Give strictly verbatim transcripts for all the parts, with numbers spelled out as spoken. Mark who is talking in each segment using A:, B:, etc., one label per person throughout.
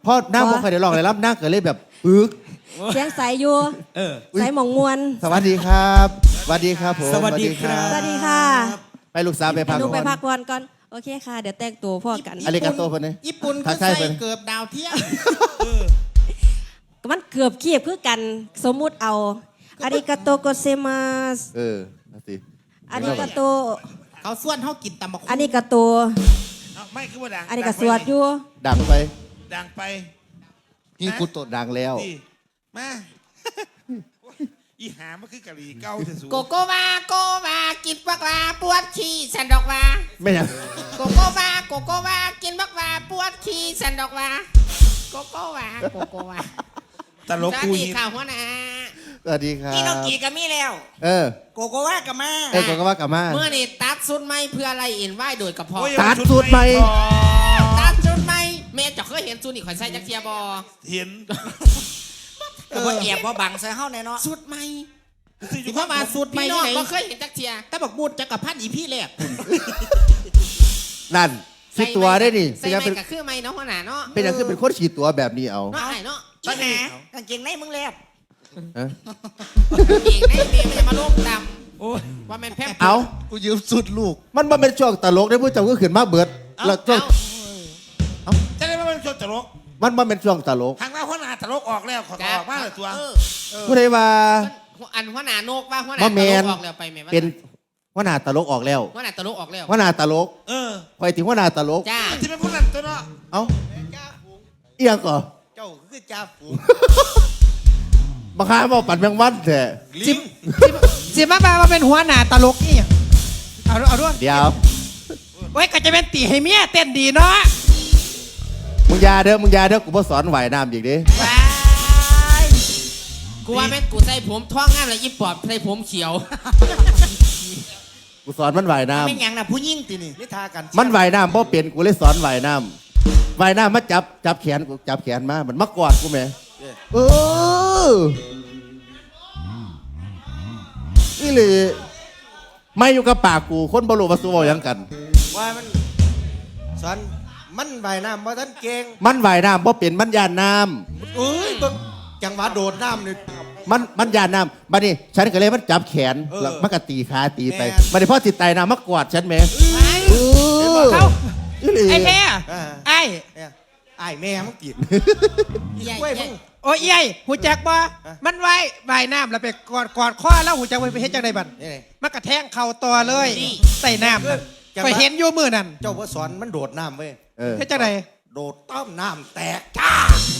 A: เพราะหน้าบ่เคยได้ลองเลยรับหน้าเกิดเลยแบบปึก
B: เสียงใสอยู่ใสหมองมวน
A: สวัสดีครับสวัสดีครับผม
C: สวัสดีครับ
B: สวัสดีค่ะ
A: ไปลูกสาวไปพัก
B: ลูกไปพักผ่อนก่อนโอเคค่ะเดี๋ยวแต่งตัวพ่อกัน
A: อาริกาโตคนนี้
C: ญี่ปุ่นก็ใส่เกือบดาวเทียม
B: มันเกือบเคียบคือกันสมมุติเอาอาริกาโตโกเซมัส
A: เออนั่นสิ
B: อาริกาโต
C: เขาส่วนเขากินตำบักหุ่ง
B: อาริกาโต
D: ไม่คือว่าดัง
B: อาริกาสวดอยู่
A: ดังไป
D: ดังไป
A: นี่กูโตดังแล้ว
D: มาอีหามันคือกะหรี่เก้าจะสูง
C: โกโกวาโกวากินบักวาปวดขี้สันดอกวา
A: ไม่ยัง
C: โกโกวาโกโกวากินบักวาปวดขี้สันดอกวาโกโกวาโกโกวา
D: ตลกกูนี่
C: ข่าวหัวหน้า
A: สวัสดีครับ
C: พี่น้องกีก็มีแล้ว
A: เออ
C: โกโกวากับมา
A: เออโกโกวากับมา
C: เมื่อนี่ตัดสุดไม่เพื่ออะไรเอ็นไหวโดยกระเพาะ
A: ตัดสุดไม่
C: ตัดสุดไม่เมย์จะเคยเห็นสุดนี่ข่อยใส่จักเทียบอ
D: เห็น
C: แต่ว่าแอบว่าบังใส่เฮาแน่เนาะสุดไม่ที่พ่อมาสุดไม่พี่น้องก็เคยเห็นจักเทียแต่บอกบูดจักกับพันอีพี่แรก
A: นั่นฉีดตัวได้ดิ
C: ใส่ไม่กับเครื่องไม่เนาะหัวหน้าเนาะ
A: เป็นอย่างคือเป็นคนฉีดตัวแบบนี้เอา
C: เนาะไอ้เนาะอีหากางเกงในมึงแลบกางเกงในเมียมันจะมาโลกดำว่าแม่นแพม
A: เอา
D: กูยืมสุดลูก
A: มันมาเป็นช่วงตลกได้ผู้เจ้าก็ขึ้นมาเบิดแล้วช่วง
D: จะได้มาเป็นช่วงตลก
A: มันมาเป็นช่วงตลก
D: ทางเราหัวหน้าตลกออกแล้วขอออกมาเลยตัว
A: ผู้ใดว่า
C: อันหัวหน้าโนกว่าหัวหน้าตลกออกแล้วไปแม่
A: เป็นหัวหน้าตลกออกแล้ว
C: หัวหน้าตลกออกแล้ว
A: หัวหน้าตลก
D: เออ
A: คอยถึงหัวหน้าตลก
C: จ้า
D: ที่เป็นผู้นั้นตัวเนาะ
A: เอ้าเอียงก่อ
D: เจ้าคือจ่าฝูง
A: บางครั้งบอกปั่นแมงวันแท้
C: จิมจิมมาบามาเป็นหัวหน้าตลกนี่เอาเอาด้วย
A: เดี๋ยว
C: โอ้ยก็จะเป็นตีให้เมียเต้นดีเนาะ
A: มึงยาเด้อมึงยาเด้อกูบ่สอนไหวน้ำอีกดิ
C: กูว่าแม่กูใส่ผมท้องงามเลยอีปอบใส่ผมเขียว
A: กูสอนมันไหวน้ำ
C: ไม่ยังนะผู้ยิ่งตีนี่นิทากัน
A: มันไหวน้ำเพราะเปลี่ยนกูเลยสอนไหวน้ำไหวน้ำมาจับจับแขนกูจับแขนมามันมากอดกูแม่เออนี่เลยไม่อยู่กับปากกูคนบรูมาสู้ยังกัน
E: ว่ามันสอนมันใบน้ำว่าท่านเก่ง
A: มันไหวน้ำเพราะเปลี่ยนมันยานน้
E: ำเอ้ยจังหวะโดดน้ำนี่
A: มันมันยานน้ำบัดนี้ฉันก็เลยมันจับแขนแล้วมันก็ตีขาตีไปบัดนี้พ่อติดไตน้ำมากอดฉันแม่
C: เขาไอ้แม่ไอ้
E: ไอ้แม่มันกิน
C: โอ้ยไอ้หูจักบ่มันไว้ใบน้ำแล้วไปกอดกอดข้อแล้วหูจักไปเฮ็ดจังไดบัดมันกระแทงเข่าตัวเลยใส่น้ำไปเห็นอยู่มือนั่น
E: เจ้าพ่อสอนมันโดดน้ำเว้ย
C: เฮ็ดจังได
E: โดดต้อมน้ำแตกจ้า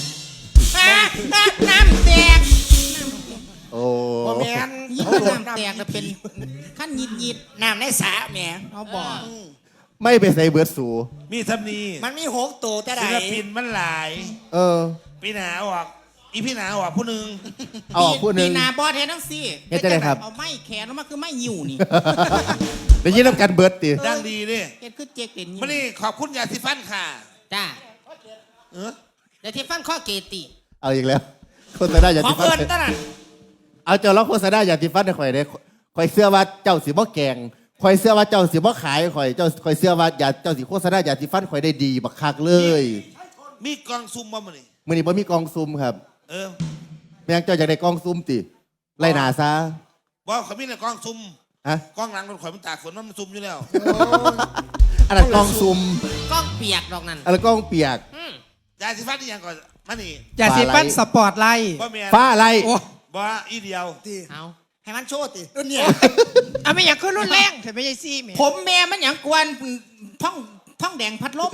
C: น้ำแตก
A: โอ้
E: แม่น
C: น้ำแตกแล้วเป็นขั้นยิดยิดน้ำในสระแม่เขาบอก
A: ไม่ไปใส่เบิร์ดสู
D: มีทำนี
C: มันมีหกตัวแต่ไหน
D: ศิลปินมันหลาย
A: เออ
D: พี่หนาออกอีพี่หนาออกผู้หนึ่ง
A: ออกผู้หนึ่ง
C: พี่หนาบอสเทนทั้งสี่
A: เฮ็ดได้ครับ
C: เอาไม้แขนมาคือไม้หิวนี่
A: เดี๋ยวยิ่งรับการเบิร์ดตี
D: ดังดีดิ
C: เฮ็ดคือเจ๊กเป็น
D: มานี่ขอบคุณยาสีฟันค่ะ
C: จ้า
D: เอ
C: อยาสีฟันข้อเกติ
A: เอาอีกแล้วโฆษณาอยาสีฟัน
C: ขอเงินตั้งนั้น
A: เอาเจ้าล้อโฆษณาอยาสีฟันให้ข่อยได้ข่อยเสื้อว่าเจ้าสีบ่แกงข่อยเสื้อว่าเจ้าสีบ่ขายข่อยเจ้าข่อยเสื้อว่าอย่าเจ้าสีโฆษณาอยาสีฟันข่อยได้ดีบักคักเลย
D: มีกองซุ่มบ่มื้อนี้
A: มื้อนี้บ่มีกองซุ่มครับ
D: เออ
A: แม่งเจ้าอยากได้กองซุ่มติไล่หน้าซะ
D: บ่เขามีแต่กองซุ่ม
A: ฮะ
D: กองหลังรถข่อยมันตากฝนมันซุ่มอยู่แล้ว
A: อันนั้นกองซุ่ม
C: กองเปียกดอกนั้น
A: อันนั้นกองเปียก
D: ยาสีฟันนี่ยังก่อนมานี่
C: ยาสีฟันสปอร์ตไลท์
A: ฟ้าไล่
D: บ่อีเดียว
C: เอา
E: ให้มันโชว์ติรุ่นเนี่ย
C: อ่ะไม่อยากขึ้นรุ่นแรงแต่ไม่ใช่ซี่แม่ผมแม่มันอย่างกวนท่องท่องแดงพัดลม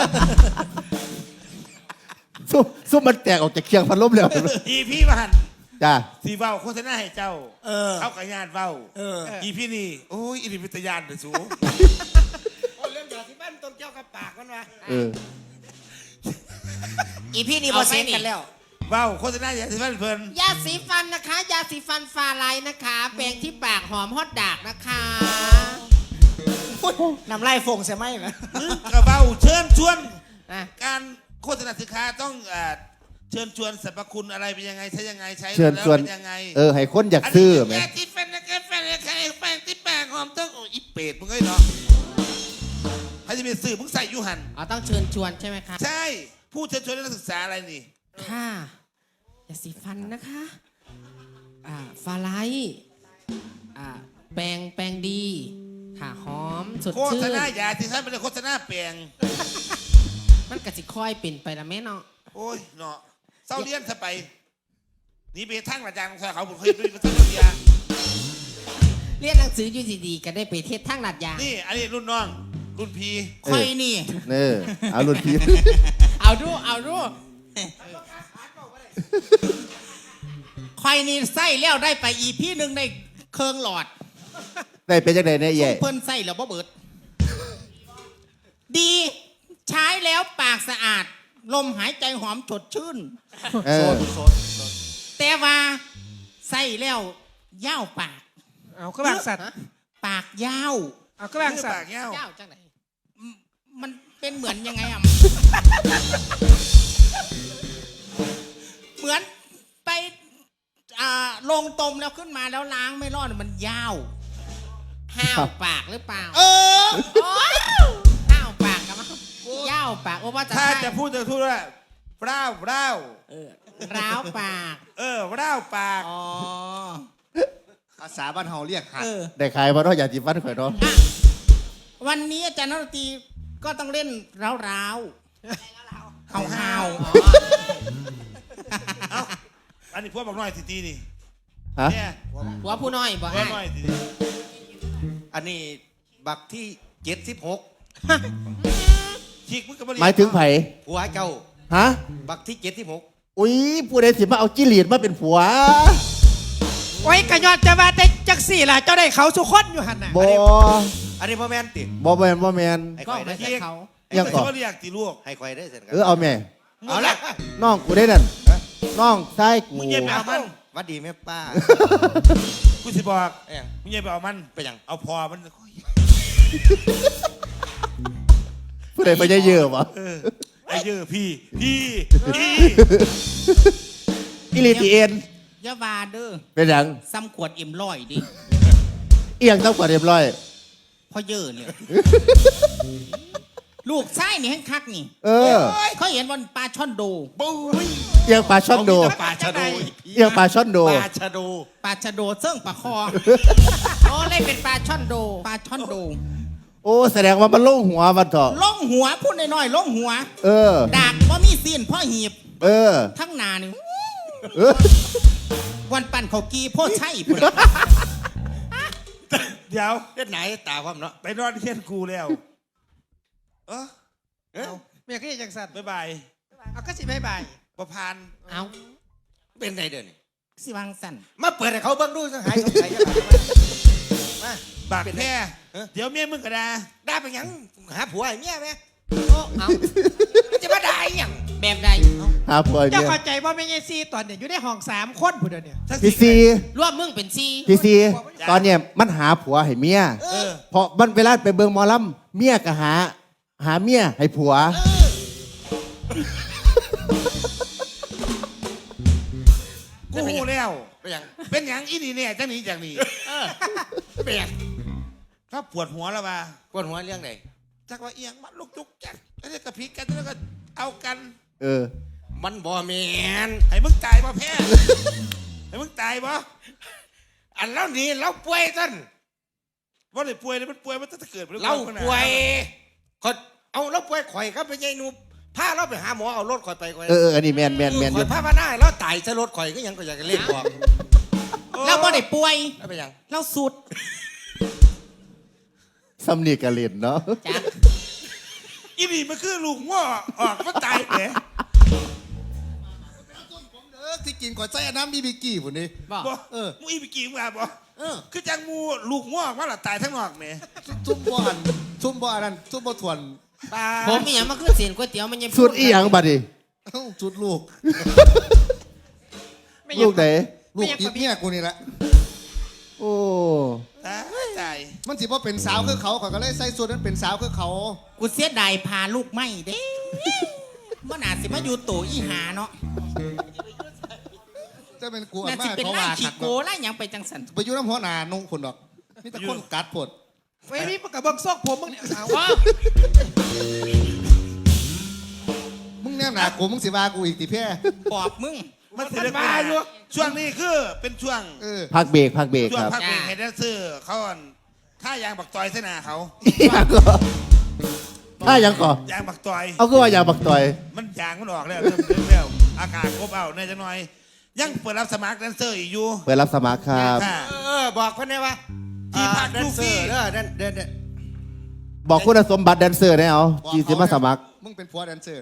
A: ซุ่มซุ่มมันแตกออกจากเคียงพัดลมแล้ว
D: อีพี่บ้าน
A: จ้า
D: สีเว้าโฆษณาให้เจ้าเขากับญาติเว้าอีพี่นี่โอ้ยอีนี่เป็นตาญาณเด้อสู
E: โอ้เรื่องยาสีฟันต้นเจ้ากับปากมันวะ
A: เออ
C: อีพี่นี่บ่เซ็นกันแล้ว
D: เว้าโฆษณายาสีฟันเพิ่น
C: ยาสีฟันนะคะยาสีฟันฟาไลท์นะคะแปรงที่ปากหอมฮอตดากนะคะ
E: น้ำไล่ฟงใช่ไหมไหม
D: กระเบ้าเชิญชวนการโฆษณาสินค้าต้องเชิญชวนสรรพคุณอะไรเป็นยังไงใช้ยังไงใช้แล้วเป็นยังไง
A: เออให้คนอยากซื้อไหม
D: ยาสีฟันนะแกแฟนใครแปรงที่ปากหอมต้องอีเป็ดมึงเอ้ยเนาะใครจะไปซื้อมึงใส่ยูหัน
C: อ๋อต้องเชิญชวนใช่ไหมครับ
D: ใช่ผู้เชิญชวนนักศึกษาอะไรนี่
F: ค่ะยาสีฟันนะคะอ่าฟาไลท์อ่าแปรงแปรงดีค่ะหอมสด
D: โฆ
F: ชื่
D: ษ
F: น
D: ณาอย่าที่ท่านเป็นโฆษณาแปลง
F: มันกะสิค่อยเป็นไปละแม่เนาะ
D: โอ้ยเนาะเศร้าเลี้ยนซะไปหนี่ไปทั้งอาจารย์ของเขาผมเคยดูไปทั้งเรียน
F: เรียนหนังสืออยู่ดีๆก็ได้ไปเทศทั้งหลัดยาง
D: นี่อันนี้รุ่นน้อง รุ่นพี
F: ค่อยนี่
A: เน่เอารุ่นพี่
F: เอาดูเอาดูค่อยนี่ไส้แล้วได้ไปอีพี่หนึ่งในเคืองหลอด
A: ได้เป็นจังไดเนี่ย
F: ซุ
A: แย่
F: ปเพิ่นไส้แล้วบ่เบิด ดีใช้แล้วปากสะอาด ลมหายใจหอมสดชื่น
A: เออ
F: แต่ว่าใส่แล้วยาวปาก
C: เอาก็บางสัตว์
F: ปากยาว
C: เอาก็บาง
D: คือ
C: สัต
D: ปาก
C: ว์
D: เงี้ยวย
F: าวจังไหนมันเป็นเหมือนยังไงอ่ะ เหมือนไปอ่าลงตมแล้วขึ้นมาแล้วล้างไม่รอดมันยาวห้าวปากหรือเปล่า
E: เออ
F: โอ๊ยห้าวปากกันมั้งยาวปากโอ้ว่าจะ
D: ถ้า
F: ใช่
D: จะพูดจะพูดว่าเร้าเร้า
F: เออร้าวปาก
D: เออเร้าปาก
F: อ๋อ
E: ภาษาบ้านเฮาเรียกหัด
F: เออ
A: ได้ขายบ่เนาะยาสีฟันข่อยเนาะ
F: อ่ะวันนี้อาจารย์นรตีก็ต้องเล่นร้าวร้าวเฮาเฮา
D: เอ้าอันนี้พวกบอกน้อยสิตีนี่
A: ฮะ
D: เนี่ย
F: หัวผู้น้อยบ่
D: พวก
F: ให้
D: น้อยสิ
E: อันนี้บักที่เจ็ดสิบหก
D: ชิกมึงก็บ่เรี
A: หมายถึงไผ
E: ผัวเจ้า
A: ฮะ
E: บักที่เจ็ดสิบหก
A: อุ้ยผู้ใดสิมาเอาจิหลีดมาเป็นผัว
C: โอ้ยกระยอดจะมาแต่จักสี่ล่ะเจ้าได้เขาสุคนอยู่หันน่ะ
A: บ่
E: อันนี้พ่อแม่นติ
A: บ่แม่นบ่แม่น
E: ให้
F: ก็
E: ข่อยได้
F: ไม่ใช่เขา
A: ยังก่อน
D: ไอ้คนที่บ่เรียกตีลูก
E: ให้ข่อยได้เสร็จ
A: เออเอาแม่
E: เอาละ
A: น้องกูได้นั่นน้องชายกู
D: มึงเย็บไปเอามัน
E: หวัดดีแม่ป้า
D: กูสิบอก
E: เอ้ย
D: มึงเย็บไปเอามัน
E: ไปยัง
D: เอาพอมัน
A: ผู้ใดไปเยอะๆบ่
D: เออไอ้เยอะพี่พี่พี่
A: อิลีตีเอ็น
F: อยาวาเด้อ
A: เป็นหยัง
F: ซ้ำขวดเอ็มร้อยดิ
A: เอียงต้องกว่าเรียบร้อย
F: พ่อเยอะเนี่ย ลูกไส้นี่ให้คักนี่
A: เออ
F: เขาเห็นวันปลาช่อนโด
E: ปุ้ย
A: เอียงปลาช่อนโด
E: ปลาชะโด
A: เอียงปลาช่อนโด
E: ปลาชะโด
F: ปลาชะโดเสื่องปลาคอ โอ้เลยเป็นปลาช่อนโด ปลาช่อนโด
A: โอ้แสดงว่ามันโล่งหัวมันเถอะ
F: ล่องหัวพูดน้อยๆล่องหัว
A: เออ
F: ดากว่ามีซีนพ่อหีบ
A: เออ
F: ทั้งหนานี่
A: เออ
F: วันปั่นเขากีโพ่อใช่พุ่น
D: เดี๋ยว
E: เฮ็ดไหนตาความเนาะ
D: ไปนอนเที่ยนกูแล้ว เออ
E: เอ้ย
C: เมียก็ยังจังสัตว์
D: บ๊ายบาย
C: เอาก็สิบายบาย
D: ประพันธ์
F: เอา
E: เป็นไงเด้อนี่
F: สิวังสั่น
E: มาเปิดให้เขาเบิ่งดูสังหายสงสัยจะมา
D: บากแพ้
E: เออ
D: เดี๋ยวเมียมึงก็ด่า
E: ได้ไปหยังหาผัวให้เมียไหม
F: โอ้เอา
E: มันจะมาได้หยัง
F: แบบใดเอา
A: หาผัว
C: เจ้า
A: เมีย
C: เข้าใจว่าไม่ใช่ซีตอนเนี่ยอยู่ในห้องสามคนผู้เดียวเนี่ย
D: ทั้ง
A: พี่ซี
F: รวมมึงเป็นซี
A: พี่ซีตอนเนี้ยมันหาผัวให้เมีย
D: เออ
A: เพราะมันเวลาไปเบิ่งหมอลำเมียก็หา หาเมียให้ผัว
D: กูหูแล้ว
E: ไปหยัง
D: เป็นอย่างอีนี่เนี่ยจังนี้จากนี้
E: ไปหยัง
D: ถ้าปวดหัวแล้วมา
E: ปวดหัวเรื่องไหน
D: จักว่าเอียงมันลูกจุกจักแล้วก็กระพริกกันแล้วก็เอากัน
A: เออ
E: มันบ่แม่น
D: ให้มึงตายป่ะแพ้ให้มึงตายป่ะ
E: อันเรานี่เราป่วยต้น
D: ว่าเลยป่วยเลยมันป่วยมันจะเกิดมัน
E: เราป่วยคนเอาเราป่วยข่อยครับไปยายหนูพาเราไปหาหมอเอารถข่อยไปข่อย
A: เออเอออันนี้แมนแมนแมนอ
E: ข่
A: ยู่
E: อยพามาได้เราตายซะรถข่อยก็ยังก็อยากจะเล่นบอก
F: เราบ่ได้ป่วย
E: แล้วไปหยัง
F: เราสุด
A: สำนีกะเล่นเนาะ
F: จ้ะ
D: อีนี่มันคือลูกง้อออกมันตายแหม
E: เออที่กินก่อนใส่น้ำบีบีกี้พุ่นนี่
F: บอก
D: บ่
E: เออ
D: มึงอีไปกี่มึงอ่ะบ่
F: เออ
D: คือจังมูลูกง้อว่าละตายทั้งนอกแหม
E: ซุ่มบ่อันซุ่มบ่อันนั้นซุ่มบ่ทวน
D: ตาย
F: ผมมีอย่างมาขึ้นเสียนก๋วยเตี๋ยวมันยัง
A: สุดอีหยังบัดนี้
E: เอ้าจุดลูก
C: ไม่
A: ลูกไหน
E: ลูกติดเนี่ยกูนี่แหละ
A: โอ้
D: ตายตาย
E: มันสิบ่เป็นสาวคือเขาข่อยก็เลยใส่สูทนั้นเป็นสาวคือเขา
F: กูเสียดายพาลูกไม่เด้มันอาจสิมาอยู่โตอีหาเนาะ
E: จะเป็นกูอั
F: น่าน สิ
E: มาก
F: เป็น
E: เขา
F: ไล่
E: ว่า
F: ขี้
E: ขัด
F: โกไล่หยังไปจังสัน
E: ไปอยู่น้ำหัวหนานุ่งคนดอกมีแต่คนกัดปวด
C: ไว้นี่กับเบิ้งซอกผมมึงเนี่ยสาว
F: ว้า
E: มึงแ
G: แน่หนากูมึงสิว่ากูอีกติแพ้
E: ปอบมึง
D: มันสิได้มาอยู่ช่วงนี้คือเป็นช่วง
G: เออ
A: พักเบรกพักเบรก
D: ช่ว
A: ค
D: ง
A: รับ
D: พักเบรกให้แดนเซอร์เขาอ่อนถ้ายางบักตอยเสนาเขา
A: อยากก่อถ้ายังก่อย
D: างบักตอย
A: เอาก็ว่าอยากบักต่อย
D: มันยางมันออกแล้วเริ่มเริ่มแล้วอากาศครบเอาในจังหน่อย ยังเปิดรับสมัครแดนเซอร์อีกอยู่
A: เปิดรับสมัครครับ
D: ค่ะ
E: เออบอกเพิ่นได้ว่า
D: ที่พัก
E: แดนเซอ
D: ดูฟรี
E: ร์เด้อแดนแดนแดน
A: บอกคุณสมบัติแดนเซอร์ได้เอาจีสิมาสมัคร
G: มึงเป็นผัวแดนเซอร์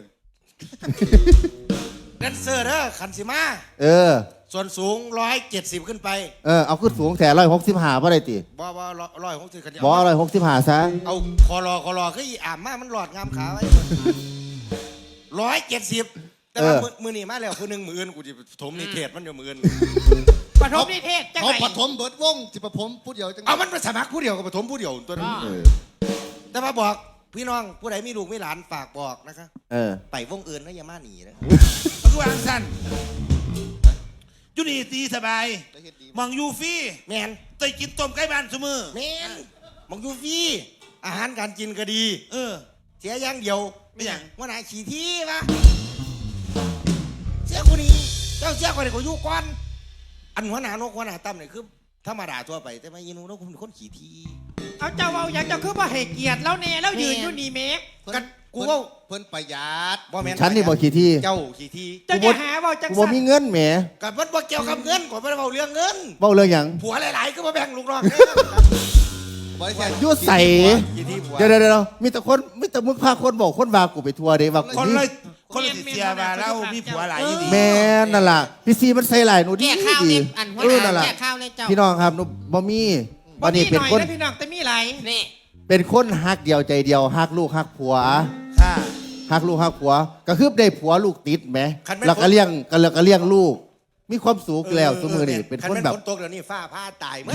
E: แดนเซอร์เด้อขันสิมา
A: เออ
E: ส่วนสูงร้อยเจ็ดสิบขึ้นไป
A: เออเอาขึ้นสูงแถร้อยหกสิบห้าเพราะอะไรติ
E: บ่บ่ร้อยหกสิบขัน
A: บอกร้อยหกสิบห้าซะ
E: เอาคอรอคอรอคืออีอ่ามมามันหลอดงามขาไว้ร้อยเจ็ดสิบแต่ว่ามือมือนี่มาแล้วคือหนึ่งมืออื่นกูจะถมนิเทศมันอยู่มืออื่น
C: ปฐมนิเทศจัง
G: เขา
C: ไง
G: ปฐมเบิดวงสิปฐมพูดเดียวจัง
E: เอามันไปสมัครผู้เดียวกับปฐมผู้เดียวตัวนั้น
A: เออ
E: แต่ว่าบอกพี่น้องผู้ใดมีลูกมีหลานฝากบอกนะคะ
A: เออ
E: ไปวงอื่นนะอย่ามาหนีนะ
D: มันคือวางสั้นอยู่นี่ตีสบายมองยูฟี่
E: แมน
D: เตยกินต้มไก่บ้านเสมอ
E: แมนมองยูฟรีอาหารการกินก็ดี
D: เออ
E: เสียอย่างเดียว
D: ไม่หยัง
E: ว่าไหนขี่ที่วะเสียคนนี้เจ้าเสียคนนี้ก็อยู่ก่อนอันหัวหน้านกหัวหน้าตั้มเนี่ยคือธรรมดาทั่วไปแต่ไม่ยินูนกคุณเป็นคนขี่ที่
C: เอาเจ้าเอาอย่างเจ้าคือว่าให้เกียรติแล้วเน่แล้วยืนอยู่นี่เมฆ
E: กันกูว่า
G: เพิ่นประหยัด
E: บ่แม่น
A: ฉันนี่บอกขี่ที่
E: เจ้าขี่ที่
C: เจ้าอย่าหาว่าจัง
A: กูบอ
C: สัน
A: มีเงินแหม
E: กับมันบ่เกี่ยวกับเงินกว่าไม่ได้เบาเรื่องเงิน
A: เบ้าเรื่องหยัง
E: ผัวหลายๆก็มาแบ่งลูกน้อง
G: บริษัท
A: ยุ่ใส่
E: ขี่ที่ผัว
A: เดี๋ยวเดี๋ยวเดี๋ยวมีแต่คนมีแต่มึงพาคนบอกคนว่ากูไปทัวร์เด้ว่ากู
D: คน
A: นี่
D: เลยคนเลยติดเสียมาแล้วมีผัวหลายอยู่ดี
A: แม่นั่นล่ะพี่ซีมันใส่หลายหนูดี
F: แก่ข้าว
A: ดี
F: เนี่ยอันหัว
A: เออ
F: ห
A: นั่น
F: น้า
A: ล่ะ
F: แก่ข้าวเนี่ยเจ้า
A: พี่น้องครับหนูบ่มี
C: บ่
A: วันนี้
C: มีห
A: เป็น
C: น่อย
A: คน
C: นะพี่น้องแต่มีหลาย
F: นี่
A: เป็นคนฮักเดียวใจเดียวฮักลูกฮักผัว
D: ค่ะ
A: ฮักลูกฮักผัวก็คือได้ผัวลูกติดไหม
E: คันแม่น
A: แล้วก็เลี้ยงก็แล้วก็เลี้ยงลูก มีความสุขแล้วสมือนี่เป็นคนแบบ
E: ฝนตกเดี๋ยวนี้ฟ้าผ้าตายเหมือน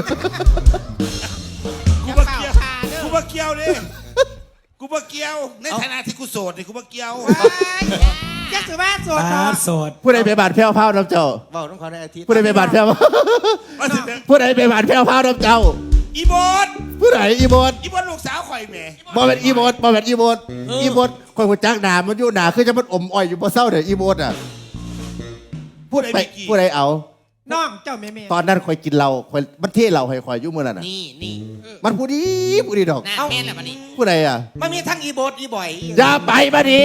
D: กู
F: อย่า
D: บ่
F: เป่า
D: เกี่ยว
F: คาเด้อ
D: กูบ่เกี่ยวดิกูบ่เกี่ยว ในฐานะที่กูโสดนี่กูบ่เกี่ยว
C: แจ็คสุว่าโสดเนาะ
H: โสด
A: ผู้ใดไปบาดแพ้วพาวน้ำเจ้า
E: เบาต้องขอในอาทิตย์
A: ผู้ใดไปบาดแพ้ว
D: ว่าสิเป็น
A: ผู้ใดไปบาดแพ้วพาวน้ำเจ้า
D: อีโบด
A: ผู้ใดอีโบด
D: อีโบดลูกสาวข่อยแหม่
A: บ่เป็นอีโบดบ่เป็นอีโบดอีโบดคอยหัวจักหนามันอยู่หนาคือจะมันอมอ้อยอยู่บ่เศร้าเด้ออีโบดอ่ะพูดไปผู้ใดเอา
C: น้องเจ้าเมเม
A: ตอนนั้นคอยกินเหล้าคอยมันเทเหล้าให้คอยอยู่มื้อนั้นน่ะ
F: นี่นี่
A: มันผู้ดีผู้ดีดอก
F: หน้าแม่นแหละวันนี้
A: ผู้ใดอ่ะ
E: มันมีทั้งอีโบดอีบ่อย
A: อย่าไปบัดนี้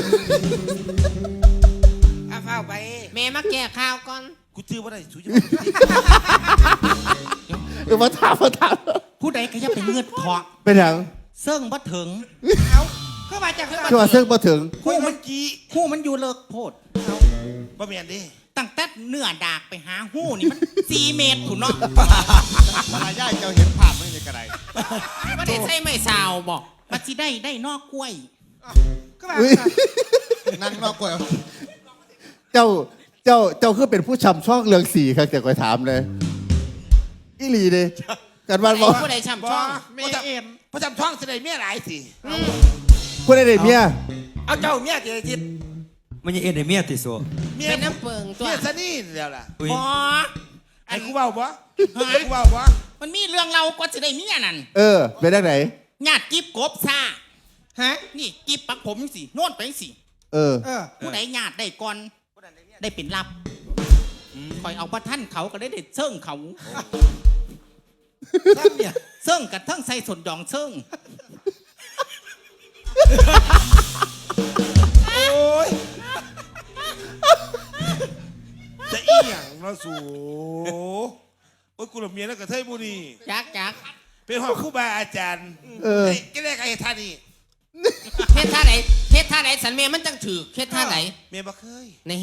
E: เอาเฝ้าไป
F: แม่มาแก่ข้าวก่อน
D: กูชื่อว่าได้สุดยอด
A: เออมาถามมาถาม
H: ผู้ใดก็จะเป็นเงือดเถาะ
A: เป็นหยัง
H: เซิ่งบ่ถึง
C: เอาเข้ามาจากคือ
A: คือว่าซึ่งบ่ถึง
D: หูมันกี้
H: หู้มันอยู่เลิกโพด
D: บ่แม่นดิ
H: ตั้งแต่เนื้อดากไปหาหู้นี่มัน สี่เมตรถูนเนาะ
G: มารยาทเจ้าเห็นภาพไม่ในกระไร
F: ไม่ได้ใส่ไม่ซาวบอก
H: ปัจจิได้ได้นอกกล้วย
C: เข้ามา
A: อุ๊ย
G: นั่งนอกกล้วย
A: เจ้าเจ้าเจ้าคือเป็นผู้ชำช่องเรืองสีครับแต่คอยถามเลยอีหลีเด้กันวันบอก
F: ผู้ใดช่ำ
D: บ่
F: ช่อง
C: เม
D: บ่จ
C: เอ็ม
D: ำบ่จำท้องแสดงเมียหลายสิ
A: ผู้ใดได้เมีย
E: เอาเจ้าเมียเจอาทิตย์
H: มันยังเอ็นไอเมียติโซ
D: เมีย
F: เป็นน้ำเปิงตัว
D: เมียซะนี่แล้วล่ะ
H: อุ้ย
F: บอ
D: ไอ้กูเว้าบ่ไอ้กูเว้าบ่
H: มันมีเรื่องเราก็จะได้เมียนั่น
A: เออเป็นได้ไหน
H: ญาติกิบกบซา
C: ฮะ
H: นี่กิบปักผมสิโน่นไปสิ
A: เออ
C: เออ
H: ผู้ใดญาติได้ก่อนได้เป็นรับคอยเอาประท่านเขาก็ได้เด็ดเซิ่งเขา
E: ซ้ำเนี่ย
H: เซิ่งกับทั้งใส่ส่วนยองเซิ่ง
D: โอ้ยจะอีหยังเนาะสูโอ้ยกูละเมียแล้วกับเทยบุรี
F: จักจัก
D: เป็นหอครูบาอาจารย์
A: เออ
D: ก็ได้ไอ้ท่านี่
F: เฮ็ดท่าไหนเฮ็ดท่าไหนสันเมียมันจังถือเฮ็ดท่าไหน
D: เมียบ่เคย
F: นี่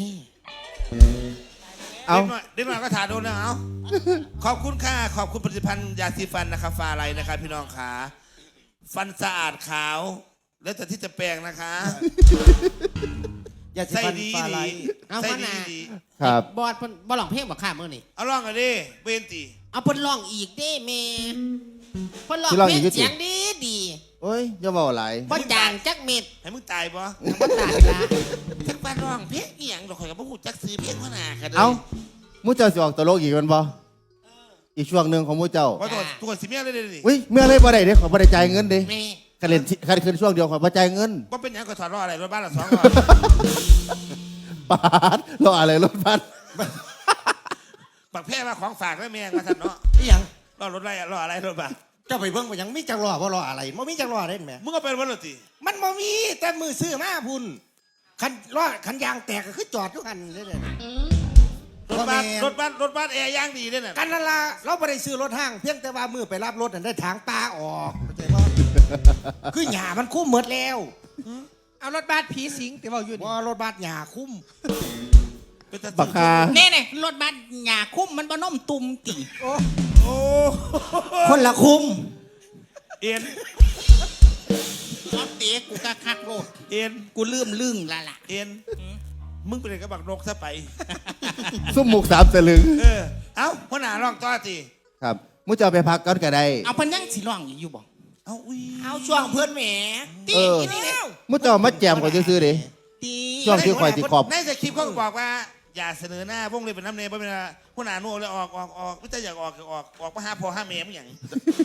A: เอา
D: เด็กหน่อยเด็กหน่อยก็ถาโดนนะเอาขอบคุณค่ะขอบคุณผลิตภัณฑ์ยาสีฟันนะครับฟาไรนะครับพี่น้องขาฟันสะอาดขาว แล้วแต่ที่จะแปลงนะคะ
E: อย่าสิ
D: ใส่
E: ฟัน
D: ดี
E: ฟ้าไหล
D: ดี
F: เอา
D: ใส่
F: พ่อ
D: ดี
F: นา
D: ดี
A: ครับ
F: บอดเพิ่นบ่หลองเพลงบ่ข้ามมื้อนี่
D: เอาล่องกันดิเบนตี
F: เอาเพิ่นร้องอีกเด้แม่เพิ่นร้อง
A: สิร้อง
F: เพล
A: อี
F: ง
A: กอยู่ติ
F: เสียงดีดี
A: โอ้ยอย่าเบาหลาย
F: บ่จางจักเม็ด
D: ให้มึงตายปะ
F: บ่ตายละ
D: จักบ้านร้องเพลงอีหยังดอกข่อยกับพวกหูจักซื้อเพลงขนาดกันเลย
A: เอามูเจ้าสิออกตลกอีกแมันบ่อีกช่วงหนึ่งของมูเจ้า
D: ว่าตัวตัวสิเมียเลยเลยนี่
A: อุ้ยเมื่อไรบ่ได้เด้ขอบ่ได้จ่ายเงินเด้
F: แม่
A: คันเล่นที่คันคืนช่วงเดียวข่อยบ่จ่ายเงิน
D: ว่าเป็นหยังก็ถอดล้ออะไรรถบ้านละสองล้อ
A: ปาดรออะไรรถบัส
D: ปักแพ้มาของฝากได้เมียมาท่านเนาะ
E: อีหยัง
D: ล้อรถอะไรล้ออะไรรถบ้าน
E: เจ้าไปเบิ่งไปยังมีจังรอบ่รออะไรบ่มีจังรอเล่นแหม
D: มึงก็เป็นวันละตี
E: มันบ่มีแต่มือซื้อมาพุ่นคันรอคันยางแตกก็คือจอดทุกคันเลยเนี่ย
D: รถบ้าน
E: บ่แม่น
D: รถบ้านรถบ้านแอร์ย่างดีด้วยน่ะ
E: กันนั่นล่ะเราบ่ได้ซื้อรถห้างเพียงแต่ว่ามือไปรับรถนั่นได้ทางตาออกเข้าใจบ่ คือหญ้ามันคุ้มหมดแล้ว
C: เอารถบัสผีสิงแต่ว่าอยู่นี่
E: ว่ารถบัสหญ้าคุ้ม
D: เป็นตา
A: บักคา
H: เน่เน่รถบัสหยาคุ้มมันบ่น้มตุ่มติ
C: โอ้
D: โอ้
E: คนละคุ้ม
D: เอ็น
H: รถเตะกูกะคักโลด
D: เอ็น
H: กูลืมลึงละล่ะ
D: เอ็นมึงเป็นกระบักนกซะไป
A: ซุ่มหมุกสามสลึง
D: เออเอ้าหัวหน้าร้องต่อตี
A: ครับมุจะเอาไปพักก่อนก็ได้
H: เอาเพันยังสิร้องอยู่บ่
D: เอ้าอุ้ย
E: เอาช่วงเพื่อนแหม
H: ตี
A: เออ
H: อีนี่เนี่ย
A: มุจะเอามาแจมก่อนซื้อๆดิ
H: ตี
A: ช่วงที่ข่อยสิขอบ
D: ในสคริปต์เขาก็บอกว่า อย่าเสนอหน้าวงเลยเป็นน้ำเนยเพราะเป็นหัวหน้าโน่เลยออกออกออกไม่ใช่อยากออกก็ออกออกมาหาพ่อหาแม่มึงอย่าง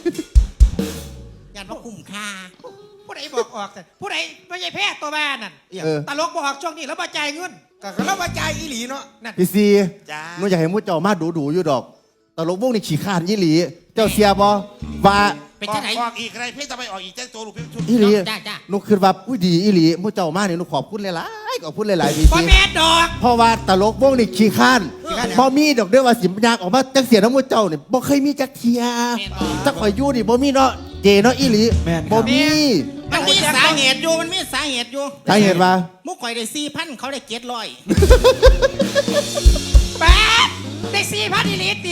H: ยันว่าคุ้มค่า
C: ผู้ใดบอกออกแต่ผู้ใดไม่ใช่แพทย์ตัวบ้านนั่น
A: เออ
C: ตลกบอกออกช่วงนี้แล้วมาจ่ายเงิน
E: ก็ก็เราว่าจ่ายอีหลีเนาะ
C: นั่น
A: พี่ซี
D: จ้า
A: มุอยากให้มุจะเอามาดูๆอยู่ดอกตลกวงนี่ขี้ขานยี่หลี เจ้าเสียบ่ว่า
H: เป็น
D: ออ
H: จั
D: ก
H: งไหน
D: ออกอีกอะไรเพ่จะไปออกอีกแจ้งตัวลูกเพ่ชุด
A: อีหลี
H: จ้าจ้า
A: หนูคิดว่าอุ้ยดีอีหลีมุจะเอามาเนี่ยหนูขอบคุณหลายๆขอบคุณหลายๆพี่
C: บ่
A: ซี
C: แม่นดอก
A: เพราะว่าตลกวงนี่ขี้ข้านพอมีดอกเด้อว่าสิมยากออกมาจักเสียน้ำมูเจ้าเนี่ยบ่เคยมีจักเทียจักข่อยอยู่นี่บ่มีเนาะเจเนาะอีหลีบ่มี
H: มันมีสาเหตุอยู่มันมีสาเหตุอยู่
A: สาเหตุว่า
H: มุกข่อยได้สี่พันเขาได้เจ็ดร้อย
C: แปดได้สี่พันอีลิตรดิ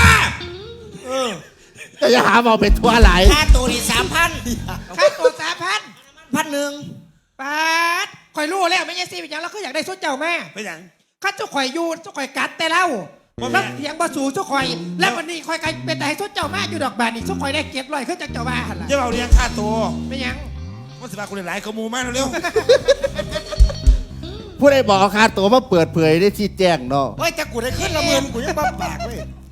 A: จะอย่าหาเอาเป็นทั่วหลาย
H: ค่าตัวนี่สามพัน
C: ค่าตัวสามพัน
H: พันหนึ่ง
C: แปดข่อยรู้แล้วไม่ใช่สี่เป็นหยังแล้วก็อยากได้สุดเจ้าแม่
D: ไปอย่าง
C: ข้าเจ้าข่อยอยู่เจ้าข่อยกัดแต่เล่า
D: บ่แม่
C: แล้วเถียงบ่สู่เจ้าข่อย แล้ววันนี้ข่อยกันเป็นแต่ให้สุดเจ้าแม่อยู่ดอกบานนี่เจ้าข่อยได้เก็บร้อยขึ้นจากเจ้าบ้านหั่นล่ะ
D: จะเอาเลี้ยงค่าตัว
C: ไม่หยัง
D: มันสิบาคุณหลายๆกระมูมากเร็ว
A: ผู้ใดบอกเอาค่าตัวมาเปิดเผยได้ชี้แจงเนาะ
E: เฮ้ยจะกูได้ขึ้นละหมื่นกูยังบ้าปากเว้ย